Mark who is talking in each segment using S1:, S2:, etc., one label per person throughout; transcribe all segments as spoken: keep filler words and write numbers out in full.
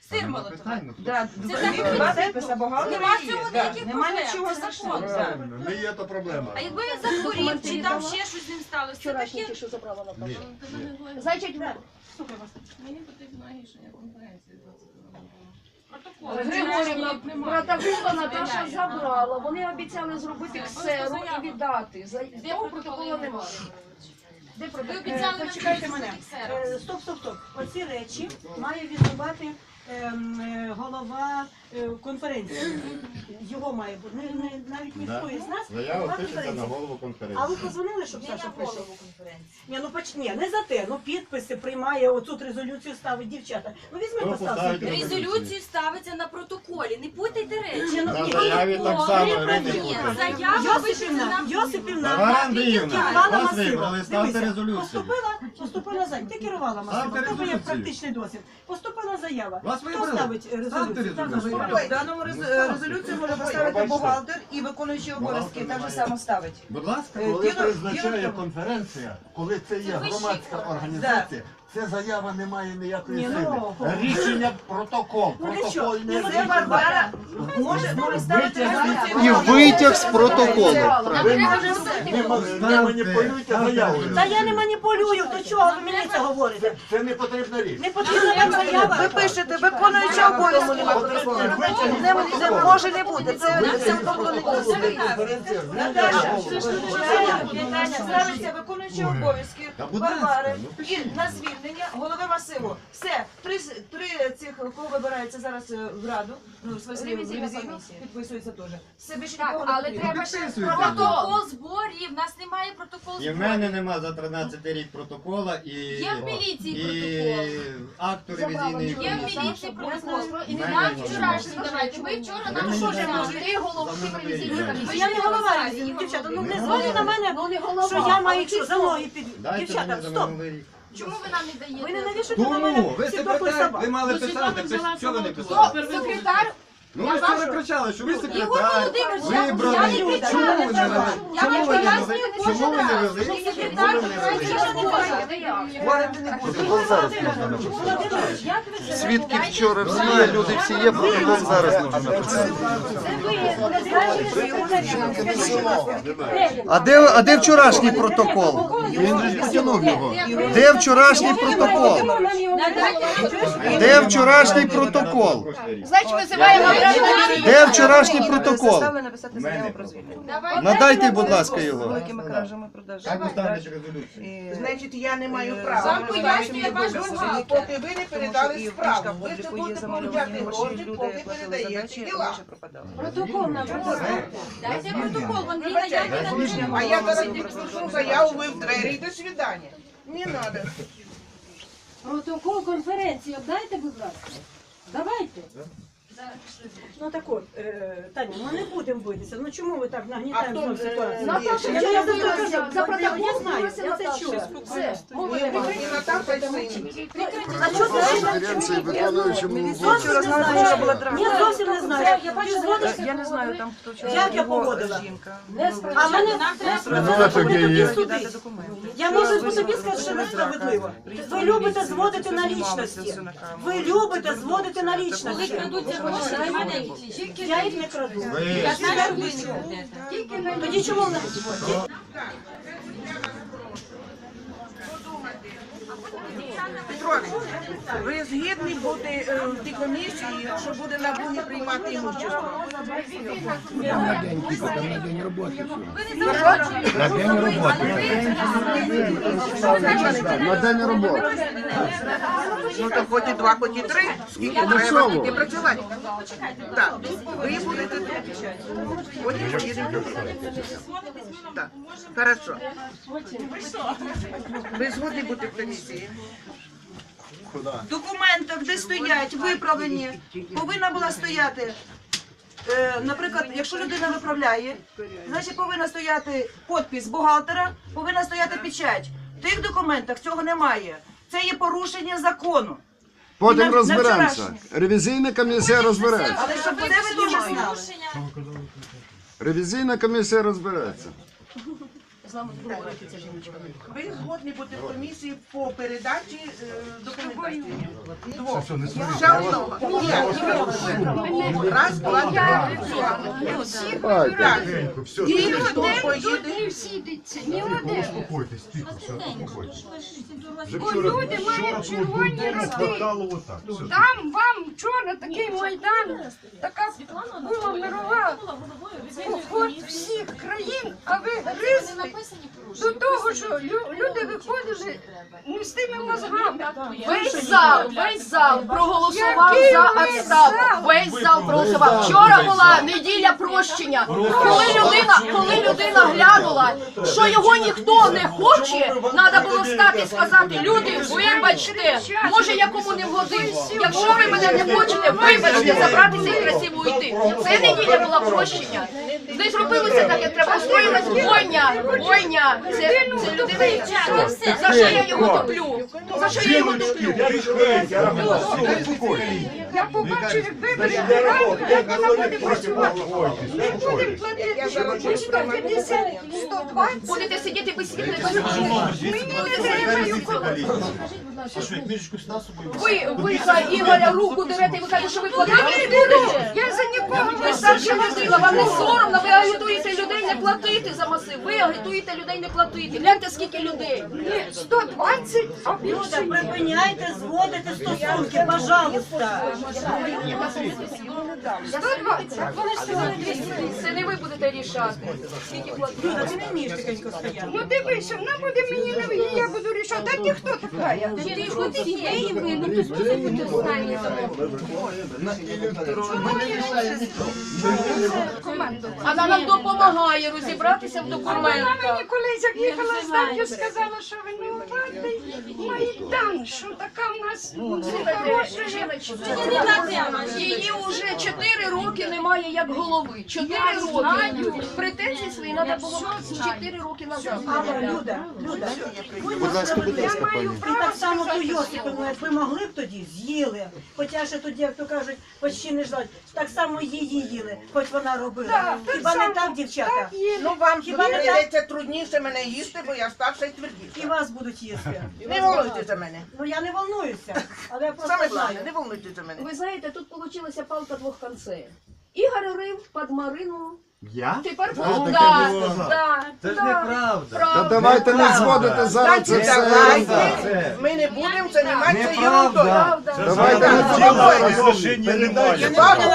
S1: Сир молотувати.
S2: Два підписи бухгалтера
S1: Нема
S2: є.
S1: цього
S2: Да.
S1: ніяких
S2: Нема
S1: проблем,
S2: нічого
S1: це
S2: страшного.
S1: закон.
S2: Да.
S3: Не є то проблема.
S1: А якби він захворів, чи там ще щось з ним сталося, це
S4: Вчорашні
S1: таке.
S4: ті, що забрала на
S3: Ні.
S4: Значить,
S5: Мені потрібно рішення конференції
S4: Григорівна, протокола Наташа забрала. Вони обіцяли зробити ксеру і віддати. За того протоколу немає. Де
S1: Ви
S4: протокол?
S1: обіцяли нам
S2: Почекайте
S1: зробити
S2: мене.
S1: ксеру.
S2: Е, Стоп, стоп, стоп. Оці речі має відбувати ем, е, голова е, конференції. Його має бути. Не, не, навіть ніхто із нас.
S3: Заява
S2: голова
S3: пишеться на
S2: конференції.
S3: голову
S2: А
S3: конференції.
S2: ви позвонили, щоб
S1: Я
S2: Саша
S1: на
S2: пише?
S1: голову конференції.
S2: Ні, ну поч... Ні, не за те. Ну підписи приймає, оцю резолюцію ставить дівчата. Ну візьми,
S3: Хто
S2: поставте.
S3: поставить
S2: підпис.
S1: Резолюцію ставиться на протоколі, не путайте речі.
S2: Ні, ну,
S3: На
S2: ні,
S3: заяві
S2: ні,
S3: так
S2: ні,
S3: само,
S2: ні,
S3: Ірина,
S2: ні,
S3: не
S2: ні.
S3: путайте.
S1: Заява пишеться
S2: Йосипівна,
S1: на...
S2: Йосипівна,
S3: Тамара
S2: ти
S3: Андріївна,
S2: керувала
S3: вас
S2: масивом.
S3: вибрали, ставте
S2: Дивися,
S3: резолюцію.
S2: Поступила, поступила заява. Ти керувала масивом.
S3: Ставте
S2: В тебе є
S3: резолюцію.
S2: практичний досвід. Поступила заява.
S3: Вас
S2: Хто
S3: вибрали.
S2: ставить резолюцію?
S3: Ставте
S2: Ставте
S3: резолюцію.
S2: заяву.
S6: В даному рез- резолюцію може поставити бухгалтер і виконуючий обов'язки так же само ставить.
S3: Будь ласка.
S6: Е,
S7: Коли
S6: діло-
S7: призначає
S6: діло в тому-
S7: конференція, коли це є
S1: вищий
S7: громадська
S1: орган.
S7: організація, це заява не має ніякої
S2: Ні,
S7: сили.
S2: ну,
S7: Рішення протокол,
S2: Ну, для чого?
S7: протокольне
S2: Ні, ну,
S6: Це Варвара може, може ставити резолюцію.
S8: І витяг з протоколу.
S7: Ви не, не маніпулюйте заявою.
S2: Та я не маніпулюю, до чого ви мені це говорите?
S7: Це не потрібна річ.
S2: Не потрібна вам заява.
S6: Ви пишете виконуючий обов'язки. Не, не може не бути. Це це виконуючий обов'язки. Наташа, питання ставиться виконуючий обов'язки
S3: Та будь ласка,
S6: Варвари
S3: ну,
S6: і
S3: пишіть.
S6: на звільнення голови масиву. Все, три, с- три цих, кого вибирається зараз е, в Раду, ну, в смислі, в
S4: Ревізійна
S6: ревізійну,
S4: комісія.
S6: підписується теж. Все більше
S4: Так,
S6: нікого не
S4: але
S6: потрібно.
S4: треба ще
S3: Підписуйте.
S1: Протокол зборів, в нас немає протоколу
S3: І в
S1: зборів.
S3: мене нема за тринадцятий рік протокола і,
S1: Є в міліції
S3: і
S1: протокол.
S3: акту ревізійної
S1: Є в
S3: комісії.
S1: міліції протокол. І
S3: Мене
S1: нам
S3: немає.
S1: вчорашній давайте. Ви вчора
S3: Ви
S1: нам
S3: мені
S1: що ж
S3: дайте.
S1: нам?
S4: Три головки ревізійної
S2: Ну,
S4: комісії.
S2: я не голова ревізійної, дівчата, ну не дзвоніть на мене,
S4: Ну, не голова,
S2: що я маю
S4: а
S2: що, за ноги під...
S3: Дайте
S2: Дівчата,
S3: мені за
S2: стоп.
S3: минулий рік.
S1: Чому ви нам не даєте?
S2: Ви не навішуйте на мене
S3: Тому, ви
S2: всі прокль
S3: секретар,
S2: собак.
S3: ви мали писати, чого ви не писали?
S4: Секретар,
S3: Ну ви ж ви кричали, що ви
S1: Ігор
S3: секретар,
S1: Володимирович, я
S3: вибраний.
S1: не кричала,
S3: Чому ви
S1: не
S3: не
S1: кричала.
S3: вели?
S1: Я
S3: Чому
S1: вам
S3: ви не
S1: пояснюю
S3: вели?
S1: кожен
S3: Чому ви не
S1: раз,
S3: вели?
S1: що
S3: Чому
S1: секретар
S3: ви не вели?
S6: Говорити не буде.
S2: Володимирович, як ви це
S8: Свідки вчора всі є, люди всі є, протокол зараз можна написати. А де, а де вчорашній протокол?
S3: Він же ж потягнув його.
S8: Де вчорашній протокол? Де вчорашній протокол?
S4: значить, визиваємо
S8: Де вчорашній протокол?
S6: Заставили написати заяву про звільнення.
S8: Надайте, будь ласка, його.
S6: Великими кражами
S3: Як
S6: продажами.
S3: ви ставите резолюцію?
S9: Значить, я не маю
S6: Е,
S9: права.
S1: Вам пояснює ваш
S9: Поки
S1: бухгалтер.
S9: ви не
S6: Тому що
S9: передали
S6: і в
S9: справу.
S6: книжках
S9: Ви це
S6: обліку є
S9: будете
S6: замальовані
S9: получати
S6: гроші,
S9: гроші,
S6: люди
S9: поки
S6: платили
S9: передаєте
S6: задачі,
S9: діла.
S6: гроші пропадали.
S4: протокол нам.
S1: Дайте протокол, вон він
S9: Вибачайте,
S1: наявний на
S9: а я зараз тільки пишу заяву, ви в двері і до свидання. Не треба.
S4: Протокол конференції обдайте, будь ласка. Давайте.
S2: Ну так от, е, Таня, ну не будемо битися. Ну чому ви так
S9: А
S2: нагнітаємо
S9: хто
S2: знову ситуацію?
S4: Наташа
S2: Я
S4: вчора
S2: за це
S4: билася,
S2: кажу,
S4: за
S2: от,
S4: протокол
S2: я знаю,
S4: билася
S2: я це
S4: Наташа.
S2: чула.
S4: Все, мова не
S9: І Наташа, і син.
S2: А що ти
S8: Конференції виконуючому
S6: Вчора знала, що була
S2: Ні,
S6: травма.
S2: зовсім не знаю. Ти зводиш?
S6: Я не знаю, там хто вчора.
S2: Як я
S6: його
S2: поводила?
S6: жінка.
S2: А мене
S1: Нам треба
S2: треба тобі
S6: Дати
S2: судити.
S6: документи.
S2: Я можу по собі сказати, що несправедливо. Ви любите зводити на лічності. Ви любите зводити на лічності.
S1: крадуться гроші, немає ніяких лічних.
S2: Я їх не краду.
S3: Ви
S1: Я знаю, ви не крадете.
S2: Тоді чому в нас?
S9: Петрович, ви згідні бути е, в тій комісії, що буде на Бугі приймати імущество?
S8: На день роботи.
S9: Ну то хоч і два, хоч і три. Скільки треба, скільки працювати. Так, ви будете тут. Потім поїдемо. Так, хорошо. Ви згодні бути в комісії?
S6: В документах, де стоять виправлені, повинна була стояти, е, наприклад, якщо людина виправляє, значить повинна стояти підпис бухгалтера, повинна стояти печать. В тих документах цього немає. Це є порушення закону.
S8: Потім
S6: На- на
S8: розберемося.
S6: вчорашнє.
S8: Ревізійна комісія розбереться.
S6: Але щоб це ви теж знали.
S8: Ревізійна комісія розбереться.
S4: з нами говорити ця жіночка.
S9: Ви згодні бути в комісії по передачі е, документації? Двох. Ще одного. Ні. Раз, два, три. Так. І хто поїде?
S4: Не сідеться, ні один.
S3: Успокойтесь, тихо, все, успокойтесь.
S4: Бо люди мають червоні роти. Там вам вчора такий майдан, така була мирова поход всіх країн, а ви гризли до того, що лю- люди виходили не з тими мозгами.
S10: Весь зал, весь зал проголосував
S4: Який
S10: за
S4: весь
S10: відставку.
S4: зал?
S10: Весь зал проголосував. Вчора була неділя прощення. Коли людина, коли людина глянула, що його ніхто не хоче, треба було стати і сказати: люди, вибачте, може я кому не вгодив. Якщо ви мене не хочете, вибачте, забратися і красиво йти. Це неділя була прощення. Не зробилося так, як треба. Устроїлась бойня, бойня. Це, це людина, яка- за що я його топлю? За що я його топлю?
S4: Я побачу, як вибори грають, як вона буде працювати. Не будемо платити, що п'ятдесят, сто двадцять.
S10: Будете сидіти без світла, без нічого.
S4: Мені не треба коли.
S10: Ви, ви за Ігоря руку дерете і ви кажете, що ви платити не будете.
S4: Я за нікого
S10: Ви
S4: не
S10: старша людина, вам не соромно, ви агітуєте людей не платити за масив. Ви агітуєте людей не платити. Гляньте, скільки людей.
S4: Ні, сто двадцять, а
S2: Люди,
S4: більше ні.
S2: припиняйте зводити стосунки, пожалуйста.
S4: сто двадцять. Вони ж сказали двісті.
S10: Це не ви будете рішати. Скільки платити.
S2: Люда, ти не вмієш тихенько стояти.
S4: Ну дивися, вона буде мені не вийти, я буду рішати. А ти хто така? Я?
S1: Ти що ти ідеї ви, ну ти що ти останні
S10: Вона нам допомагає розібратися в
S4: Вона
S10: документах.
S4: мені колись, як їхала з Надю, сказала, що винуватий Майдан, що така в нас
S10: Слухайте, жіночка, її вже чотири роки немає як голови. Чотири роки. Претензії свої треба було чотири роки назад.
S2: Але, Люда, Люда,
S8: Будь ласка, будь ласка, пані.
S2: і так само ту Йосипівну, як ви могли б тоді, з'їли. Хоча ще тоді, як то кажуть, почти не ждать. Так само її їли, хоч вона робила.
S4: Так, так
S2: Хіба не
S4: само.
S2: так, дівчата?
S4: Так є.
S9: Ну вам
S2: Хіба не так?
S9: прийдеться трудніше мене їсти, бо я старша і
S2: І
S9: твердіша.
S2: вас будуть їсти.
S9: Не волнуйтесь за мене.
S2: Ну я не волнуюся, але я просто
S9: Саме
S2: знаю.
S9: головне, не волнуйтесь за мене.
S10: Ви знаєте, тут вийшла палка двох концей. Ігор рив під Марину.
S3: Я?
S10: Тепер
S3: А,
S10: да,
S3: таке було.
S10: да,
S3: Це ж
S10: да.
S3: неправда.
S8: Та
S10: Правда.
S8: давайте не зводити зараз це
S9: Значить,
S8: все.
S9: давайте, ми не будемо займатися ерундою.
S10: Правда.
S8: Давайте не
S3: Розрішення немає.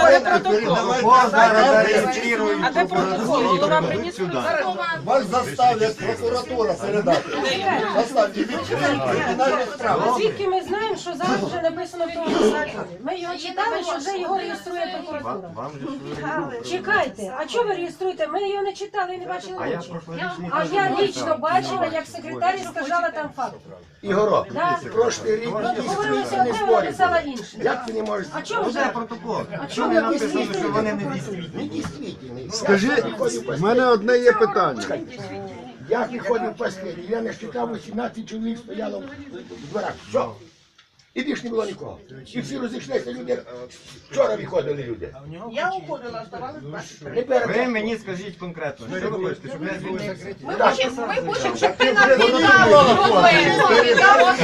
S2: А де протокол? Голова приніс
S7: Вас заставлять прокуратура передати. Заставлять кримінальні справи.
S2: Звідки ми знаємо, що зараз вже написано в тому законі? Ми його читали, що вже його реєструє прокуратура. Чекайте, а чого ви реєструєте? Ми його не читали і не бачили очі. А я лічно бачила, як секретар сказала там факт.
S7: Ігорок,
S2: Да.
S7: прошлий рік
S2: Говорилося
S7: не
S2: одне, вона
S7: спорить.
S2: написала інше.
S7: Як ти не можеш?
S2: А чого вже?
S3: Протокол.
S2: А чого ви
S3: Написано, що вони не
S7: Не
S3: дійсні.
S7: дійсний.
S8: Скажіть, в мене одне є питання.
S7: Я виходив в последній, я не вважав, вісімнадцять чоловік стояло в дворах. Все. І більш не було нікого. І всі розійшлися люди. Вчора виходили люди.
S9: Я уходила, оставалось двадцять.
S7: Не перед
S3: Ви мені скажіть конкретно, що ви хочете, щоб я були закриті?
S10: Ми хочемо, ми хочемо, щоб ти нам віддав проблему. Віддав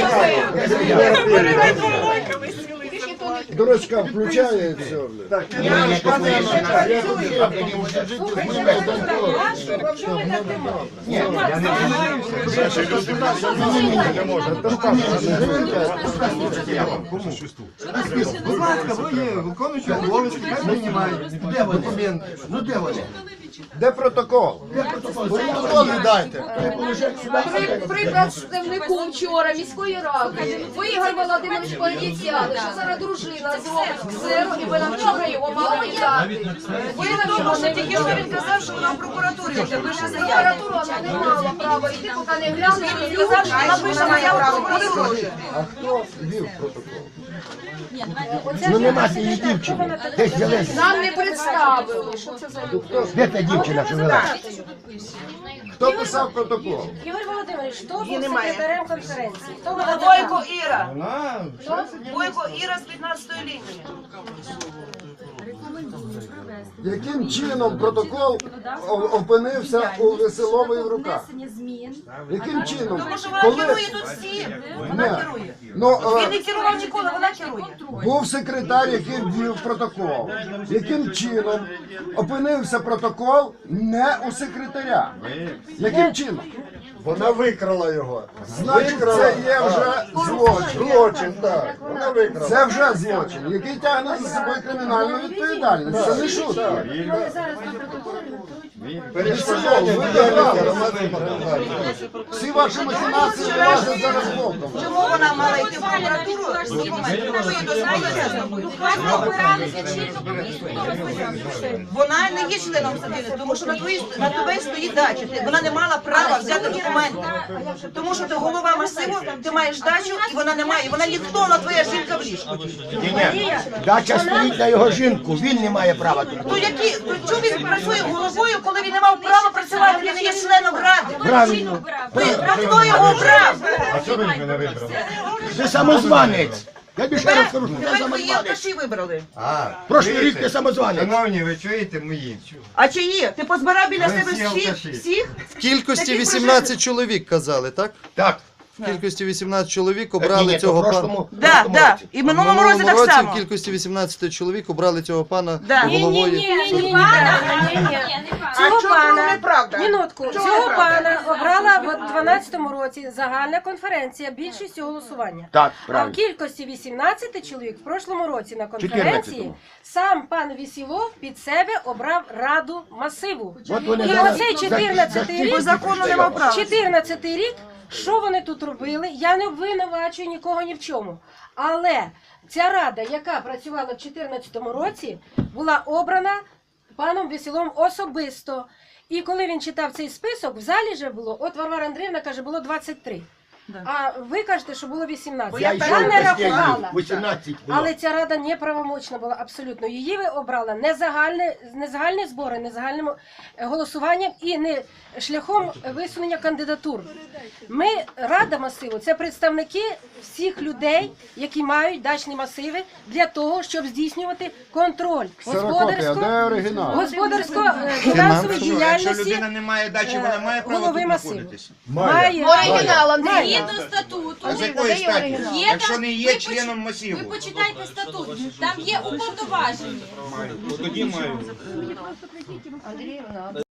S8: Дурачка включає і все.
S7: Так, ні,
S3: Я не Кому? Будь ласка, ви є виконуючий обов'язки, хай мені мають документи.
S7: ну де вони?
S8: Де протокол? Протокол віддайте.
S10: При, при представнику вчора міської ради ви, Ігор Володимирович, пообіцяли, що зараз дружина зробить ксеру і ви нам вчора його мали віддати. Ви нам що тільки що він казав, що вона в прокуратурі вже пише заяву. Прокуратура вона не мала права йти, поки не глянули. Він сказав, що вона пише заяву в прокуратуру.
S8: А хто вів протокол?
S7: Ну нема цієї дівчини. Десь взялися.
S10: Нам не представили. Що це за люди?
S7: Де та дівчина, що вела?
S8: Хто писав протокол?
S2: Ігор Володимирович, хто був
S9: Її немає.
S2: секретарем конференції? Хто вона
S6: Бойко
S2: така?
S6: Іра.
S3: Вона
S6: Бойко Іра з п'ятнадцятої лінії.
S11: Яким чином протокол о- опинився у Веселової в руках? Яким чином?
S6: Тому що вона
S11: Коли
S6: керує тут всім. Вона
S11: Не.
S6: керує.
S11: Ну,
S6: Він
S11: е,
S6: не керував ніколи, вона керує.
S11: був секретар, який ввів протокол. Яким чином опинився протокол не у секретаря? Яким чином?
S3: Вона викрала його.
S11: Значить, це є вже злочин.
S3: Злочин, так. Вона викрала.
S11: Це вже злочин, який тягне за собою кримінальну відповідальність. Це не шутка.
S3: Перешкоджання діяльності громадських організацій.
S11: Всі ваші махінації влазять зараз боком.
S6: Чому вона мала йти в прокуратуру з документами? Хто їй дозволив це зробити? Вона не є членом садини, тому що на твої на тебе стоїть дача. Ти- Вона не мала права взяти документи. Тому що ти голова масиву, ти маєш дачу, і вона не має. Вона ніхто, вона твоя жінка в ліжку.
S7: Ні, дача стоїть на його жінку, він не має права тут.
S6: То які, то чому він працює головою, коли він не мав права працювати, він не є членом ради?
S7: Правильно.
S6: Ви- Хто його обрав?
S3: А чого ви мене вибрали?
S7: Ти самозванець. Я більше раз скажу, що ти
S6: Тепер твої
S7: самозванець.
S6: алкаші вибрали.
S3: А,
S7: Прошлий
S3: чуєте?
S7: рік ти самозванець.
S3: Шановні, ви чуєте мої?
S6: А чиї? Ти позбирав біля
S3: Ви
S6: себе
S3: всі
S6: всіх?
S3: алкаші.
S6: Всіх?
S8: В кількості
S6: Такі
S8: вісімнадцять чоловік казали, так?
S7: Так.
S8: В кількості вісімнадцять чоловік
S7: Ні,
S8: обрали
S7: ні, то в
S8: цього пана.
S7: прошлому,
S6: Да,
S7: прошлому
S6: да.
S7: році.
S6: І в минулому році так
S8: році
S6: само.
S8: в кількості вісімнадцять чоловік обрали цього пана
S6: Да.
S2: Ні, ні,
S8: головою.
S2: ні, ні, ні, ні, ні, ні. Цього
S9: чого
S2: пана,
S9: неправда?
S2: минутку,
S9: Чого
S2: цього
S9: неправда?
S2: пана обрала в дванадцятому році загальна конференція більшістю голосування.
S7: Так,
S2: А в
S7: правильно.
S2: кількості вісімнадцять чоловік в прошлому році на конференції
S7: чотирнадцятому.
S2: сам пан Вісілов під себе обрав раду масиву.
S7: От вони
S2: І
S7: зараз
S2: оцей
S7: за-
S2: чотирнадцятий
S7: за-
S2: рік,
S6: По закону не мав права.
S2: чотирнадцятий рік, що вони тут робили, я не обвинувачую нікого ні в чому. Але ця рада, яка працювала в дві тисячі чотирнадцятому році, була обрана паном Веселом особисто. І коли він читав цей список, в залі вже було, от Варвара Андріївна каже, було двадцять три. А ви кажете, що було вісімнадцять.
S7: Я
S2: Я,
S7: йшов
S2: не
S7: без
S2: рахувала.
S7: вісімнадцять було.
S2: Але ця рада неправомочна була абсолютно. Її ви обрали не загальне, не загальні збори, не загальним е, голосуванням і не шляхом висунення кандидатур. Ми, рада масиву, це представники всіх людей, які мають дачні масиви для того, щоб здійснювати контроль
S11: Ксерокопія, де оригінал?
S2: господарсько-фінансової діяльності
S3: Якщо людина не має дачі, вона має право
S2: голови
S3: тут
S2: масиву.
S3: знаходитися?
S2: Має.
S10: Оригінал, Андрій.
S1: Згідно статуту,
S3: А з якої статі?
S1: Є
S3: Якщо
S1: там-
S3: не
S1: ви
S3: є
S1: поч-
S3: членом
S1: ви
S3: масиву.
S1: почитайте статут, там є уповноважені.
S3: Тоді маю.